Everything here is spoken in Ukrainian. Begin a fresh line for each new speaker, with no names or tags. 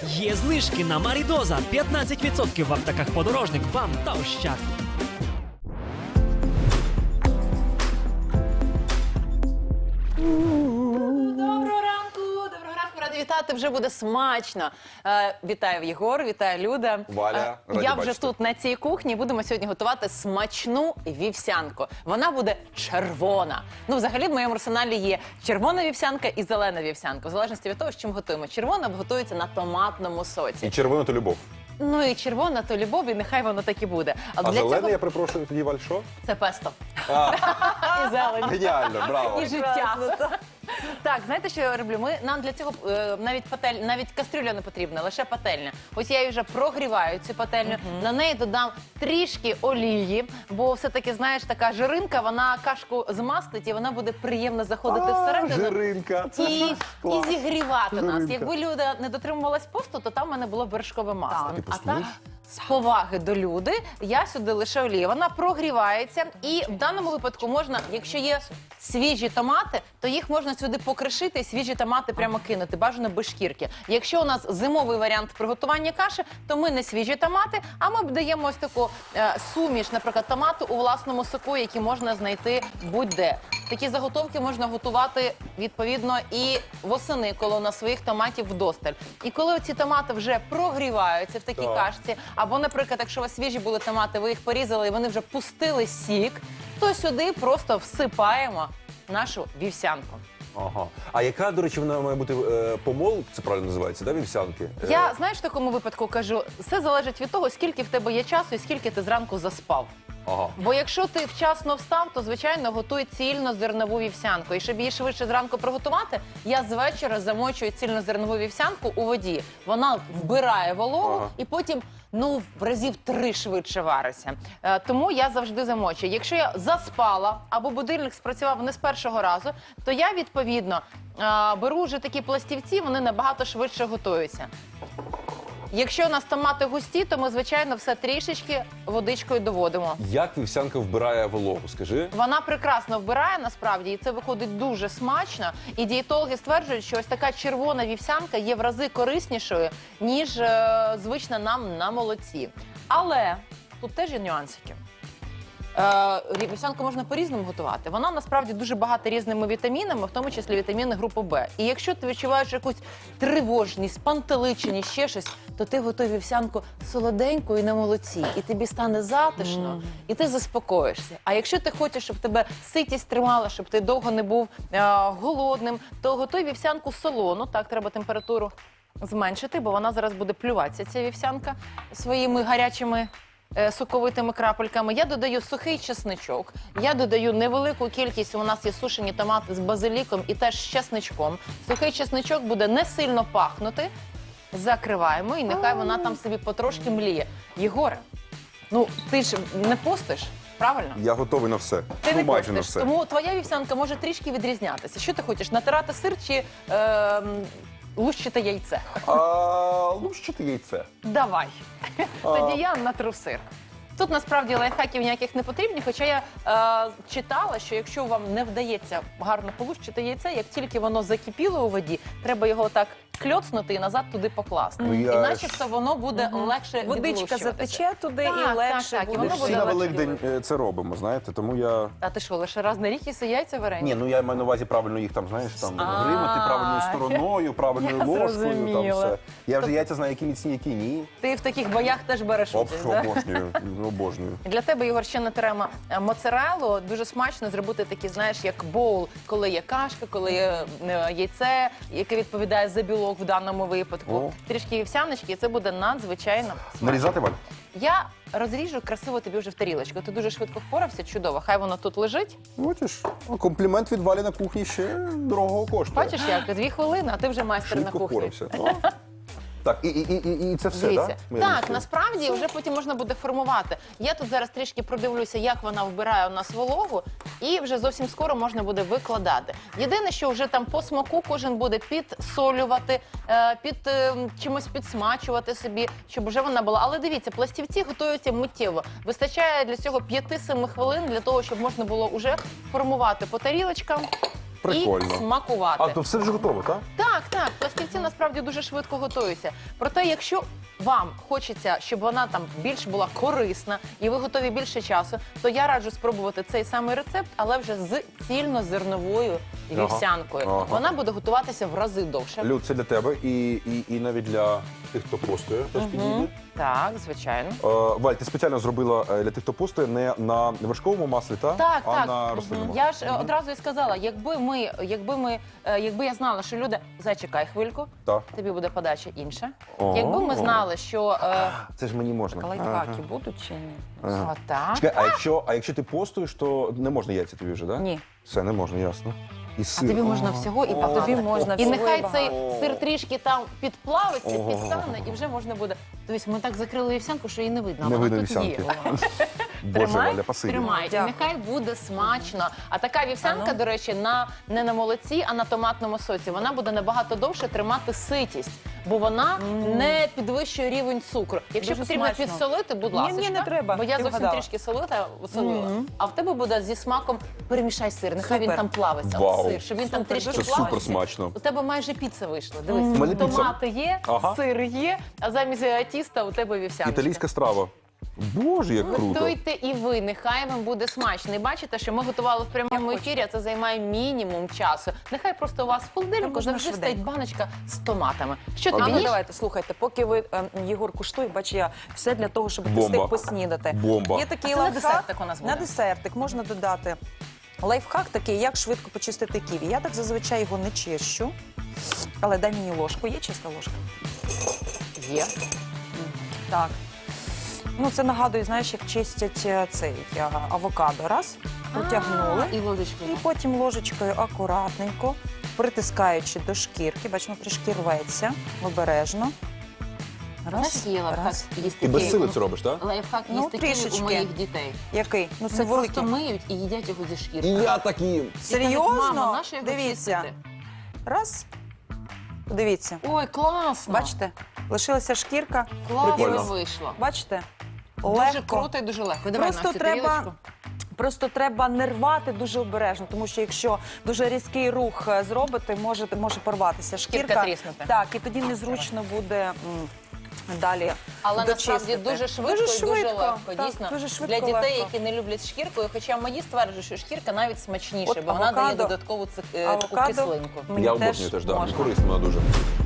Є знижки на Марідоза 15% в аптеках «Подорожник», «БАМ» та «Ощад».
Доброго ранку, раді вітати, вже буде смачно. Вітаю Єгор, вітаю Люда.
Валя, раді
я вже
бачити.
тут на цій кухні, будемо сьогодні готувати смачну вівсянку. Вона буде червона. Ну, взагалі, в моєму арсеналі є червона вівсянка і зелена вівсянка. В залежності від того, з чим готуємо. Червона готується на томатному соці.
І червона то любов.
Ну і червона то любов, і нехай воно так і буде.
А зелене, я перепрошую, тоді Валь, що?
Це песто. І зелень.
Геніально, браво.
І життя. Так, знаєте, що я роблю? Нам для цього навіть кастрюля не потрібна, лише пательня. Ось я її вже прогріваю, цю пательню. На неї додам трішки олії, бо все-таки, знаєш, така жиринка, вона кашку змастить і вона буде приємно заходити всередину.
Жиринка.
І
Клас.
зігрівати нас.
Жиринка.
Якби Люда не дотримувалась посту, то там в мене було вершкове масло.
Ти
А так,
постуєш?
з поваги до Люди, я сюди лише олію. Вона прогрівається, і в даному випадку можна, якщо є свіжі томати, то їх можна сюди покришити і свіжі томати прямо кинути, бажано без шкірки. Якщо у нас зимовий варіант приготування каші, то ми не свіжі томати, а ми даємо ось таку суміш, наприклад, томату у власному соку, який можна знайти будь-де. Такі заготовки можна готувати, відповідно, і восени, коли у нас своїх томатів вдосталь. І коли ці томати вже прогріваються в такій кашці, або, наприклад, якщо у вас свіжі були томати, ви їх порізали і вони вже пустили сік, то сюди просто всипаємо нашу вівсянку.
Ага. А яка, до речі, вона має бути помол, це правильно називається, да, вівсянки?
Я, знаєш, в такому випадку кажу, все залежить від того, скільки в тебе є часу і скільки ти зранку заспав.
Ага.
Бо якщо ти вчасно встав, то, звичайно, готуй цільнозернову вівсянку. І щоб її швидше зранку приготувати, я з вечора замочую цільнозернову вівсянку у воді. Вона вбирає вологу і потім, ну, в разів 3 швидше вариться. Тому я завжди замочую. Якщо я заспала або будильник спрацював не з першого разу, то я, відповідно, беру вже такі пластівці, вони набагато швидше готуються. Якщо у нас томати густі, то ми, звичайно, все трішечки водичкою доводимо.
Як вівсянка вбирає вологу, скажи?
Вона прекрасно вбирає, насправді, і це виходить дуже смачно. І дієтологи стверджують, що ось така червона вівсянка є в рази кориснішою, ніж звична нам на молоці. Але тут теж є нюансики. Вівсянку можна по-різному готувати. Вона насправді дуже багата різними вітамінами, в тому числі вітаміни групи Б. І якщо ти відчуваєш якусь тривожність, спантеличеність, ще щось, то ти готуй вівсянку солоденьку і на молоці. І тобі стане затишно, і ти заспокоїшся. А якщо ти хочеш, щоб тебе ситість тримала, щоб ти довго не був голодним, то готуй вівсянку солону. Так, треба температуру зменшити, бо вона зараз буде плюватися, ця вівсянка, своїми гарячими соковитими крапельками. Я додаю сухий чесничок, я додаю невелику кількість, у нас є сушені томати з базиліком і теж з чесничком. Сухий чесничок буде не сильно пахнути. Закриваємо і нехай вона там собі потрошки мліє. Єгоре, ну ти ж не постиш, правильно?
Я готовий на все.
Ти не
майже на
постиш,
все.
тому твоя вівсянка може трішки відрізнятися. Що ти хочеш, натирати сир чи лущити яйце?
Лущити яйце.
Давай. Тоді я натру сир. Тут насправді лайфхаків ніяких не потрібні, хоча я читала, що якщо вам не вдається гарно полущити яйце, як тільки воно закипіло у воді, треба його так кльоцнути і назад туди покласти.
Ну,
І
я
начебто воно буде легше
Водичка
відлущуватися.
затече туди
Так,
і легше
так, і
буде.
воно
Ми ж
буде
всі на
легше
Великдень це робимо, знаєте, тому я...
А ти що, лише раз на рік їси яйця варені?
Ні, ну я маю на увазі правильно їх там, знаєш, там гримати правильною стороною, правильною
я
ложкою, там
зрозуміла.
все. Я вже яйця знаю, які міцні, які ні.
Ти в таких боях теж береш
Оп,
участь, так?
обожнюю, обожнюю.
Для тебе, Ігор, ще натеремо моцареллу. Дуже смачно зробити такі, знаєш, як боул, коли є кашка, коли є яйце, яке відповідає за білок в даному випадку.
О.
Трішки вівсяночки, і це буде надзвичайно смачно.
Нарізати, Валь?
Я розріжу красиво тобі вже в тарілочку. Ти дуже швидко впорався, чудово. Хай воно тут лежить.
Бачиш, комплімент від Валі на кухні ще дорогого коштує.
Бачиш, як 2 хвилини, а ти вже майстер на
Швидко
кухні.
впорався. Так, і це все,
Дивіться.
так?
Так, насправді вже потім можна буде формувати. Я тут зараз трішки продивлюся, як вона вбирає у нас вологу, і вже зовсім скоро можна буде викладати. Єдине, що вже там по смаку кожен буде підсолювати, чимось підсмачувати собі, щоб вже вона була. Але дивіться, пластівці готуються миттєво. Вистачає для цього 5-7 хвилин для того, щоб можна було вже формувати по тарілочкам.
Прикольно.
і смакувати.
А, то все вже готово, так?
Так, пластівці насправді дуже швидко готуються. Проте, якщо вам хочеться, щоб вона там більш була корисна і ви готові більше часу, то я раджу спробувати цей самий рецепт, але вже з цільнозерновою вівсянкою.
Ага.
Вона буде готуватися в рази довше.
Люд, це для тебе і навіть для тих, хто постує, теж підійде.
Так, звичайно.
Валь, ти спеціально зробила для тих, хто постує, не на вершковому маслі,
Так,
а
так.
на рослинному.
Я ж одразу і сказала, якби я знала, що люди, зачекай хвильку,
Так.
тобі буде подача інша.
О.
Якби ми знали, що
Це ж мені можна.
Лайфхаки будуть чи ні?
отак.
Чекай, а якщо ти постуєш, то не можна яйця тобі вже, так?
Ні.
Все, не можна, ясно. І
А
сир.
тобі можна всього і багато.
Тобі можна
І
всього
нехай
і
цей
багато.
сир трішки там підплавиться,
Ого.
підтане, і вже можна буде. Тобто ми так закрили вівсянку, що її не видно. а
Не
вона
видно
тут є.
вівсянки.
Вона.
Боже,
Тримай,
Валя, спасибі.
тримай. І
Дякую.
нехай буде смачно. А така вівсянка, до речі, не на молоці, а на томатному соці. Вона буде набагато довше тримати ситість, бо вона не підвищує рівень цукру. Якщо
Дуже
потрібно
смачно.
підсолити, будь
Ні,
ласка.
ні, не треба.
Бо я
Ти
зовсім
вгадала.
трішки солила. А в тебе буде зі смаком перемішай сир. Нехай він
Супер.
там плавиться.
Вау.
Сир, щоб він там
Супер,
трішки
Це
дуже
плавився.
супер смачно.
У тебе майже піца вийшла.
У
Дивись,
мене піца.
томати є,
Ага.
сир є, а замість тіста у тебе вівсяночка.
Італійська страва. Боже, як круто.
Готуйте і ви, нехай вам буде смачно. І бачите, що ми готували в прямому
Як
ефірі, а це займає мінімум часу. Нехай просто у вас в холодильнику
можна
завжди
швиденько.
стоїть баночка з томатами. Що
А
тобі
ну
їж?
давайте, слухайте, поки ви, Єгор, куштує, бач, я все для того, щоб ти
Бомба.
встиг поснідати.
Бомба.
Є такий
А це на
лайфхак.
десертик у нас буде.
На десертик можна додати лайфхак такий, як швидко почистити ківі. Я так зазвичай його не чищу, але дай мені ложку. Є чиста ложка?
Є.
Так. Ну, це нагадує, знаєш, як чистять цей авокадо. Раз, потягнули.
І ложечку.
І потім ложечкою акуратненько, притискаючи до шкірки, бачимо, трішки рветься, обережно.
Знаєш, є лайфхак
раз.
їсти
Ти без
ківі?
сили це робиш, так?
Лайфхак
Ну,
їсти ківі у
трішечки.
моїх дітей.
Який? Ну, це
Вони
великий.
просто миють і їдять його зі шкірки.
І я такі.
І кажуть,
Серйозно?
«Мамо, нащо його
Дивіться.
чистити?»
Раз. Подивіться.
Ой, класно.
Бачите? Лишилася шкірка.
Класно
Прикольно.
вийшло.
Бачите?
Дуже
Легко.
круто і дуже легко. Давай,
Просто
Настя,
треба-
тарілочку.
Просто треба не рвати дуже обережно, тому що якщо дуже різкий рух зробити, може порватися шкірка.
Шкірка тріснути.
Так, і тоді незручно буде далі
Але насправді
дочистити.
дуже швидко і дуже
швидко,
легко.
так,
Дійсно,
дуже швидко,
для дітей,
легко.
які не люблять шкірку, хоча мої стверджують, що шкірка навіть смачніша,
От
бо вона дає
авокадо-
додаткову таку
авокадо
кислинку.
мені
Я обожнюю теж, да.
можна.
Корисно вона дуже.